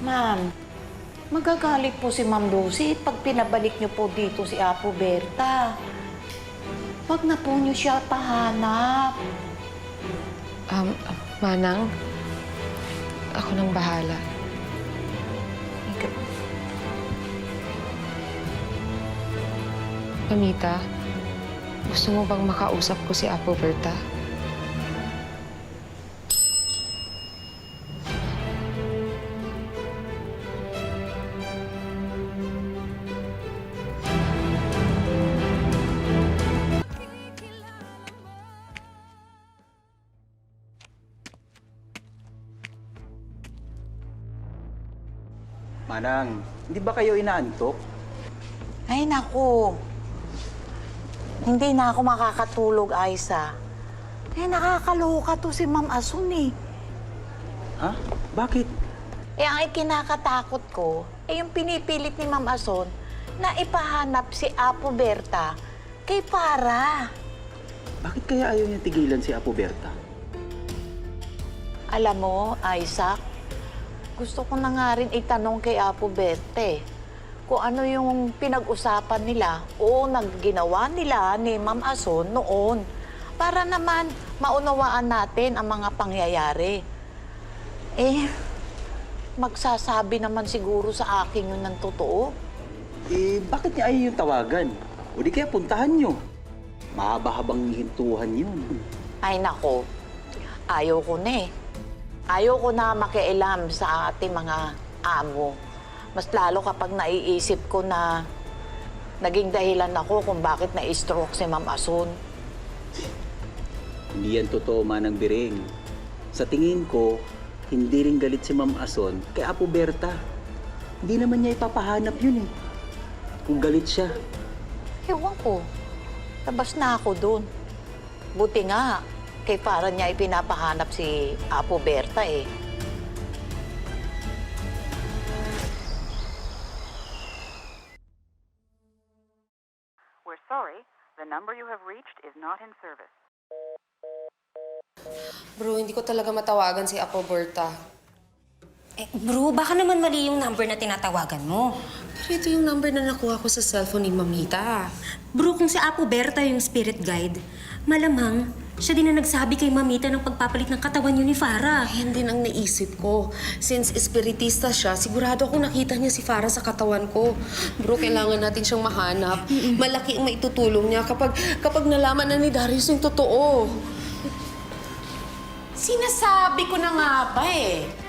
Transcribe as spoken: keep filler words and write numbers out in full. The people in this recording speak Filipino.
Ma'am, magagalit po si Ma'am Lucy pag pinabalik niyo po dito si Apo Berta. Wag na po niyo siya pahanap. Um, Manang, ako nang bahala. Mamita, gusto mo bang makausap ko si Apo Berta? Manang, hindi ba kayo inaantok? Ay, naku. Hindi na ako makakatulog, Aiza. Eh, nakakaloka to si Ma'am Asun eh. Ha? Bakit? Eh, ang ikinakatakot ko, eh yung pinipilit ni Ma'am Asun na ipahanap si Apo Berta kay Para. Bakit kaya ayaw niya tigilan si Apo Berta? Alam mo, Isaac, gusto ko na nga rin itanong kay Apo Berta eh, kung ano yung pinag-usapan nila o nagginawa nila ni Ma'am Asun noon para naman maunawaan natin ang mga pangyayari. Eh, magsasabi naman siguro sa akin yun ng totoo. Eh, bakit niya ayaw yung tawagan? O di kaya puntahan niyo. Mahaba-habang hintuhan yun. Ay nako, ayaw ko na eh. Ayaw ko na makialam sa ating mga amo. Mas lalo kapag naiisip ko na naging dahilan ako kung bakit na-stroke si Ma'am Asun. Hindi yan totoo, Manang Biring. Sa tingin ko, hindi rin galit si Ma'am Asun kay Apo Berta. Hindi naman niya ipapahanap yun eh. Kung galit siya. Ewan ko, labas na ako dun. Buti nga, kay para niya ipinapahanap si Apo Berta eh. We're sorry, the number you have reached is not in service. Bro, hindi ko talaga matawagan si Apo Berta. Eh, bro, baka naman mali yung number na tinatawagan mo. Pero ito yung number na nakuha ko sa cellphone ni Mamita. Bro, kung si Apo Berta yung spirit guide, malamang siya din na nagsabi kay Mamita ng pagpapalit ng katawan yun ni Farah. Ayan din ang naisip ko. Since espiritista siya, sigurado akong nakita niya si Farah sa katawan ko. Bro, kailangan natin siyang mahanap. Malaki ang maitutulong niya kapag, kapag nalaman na ni Darius yung totoo. Sinasabi ko na nga ba eh.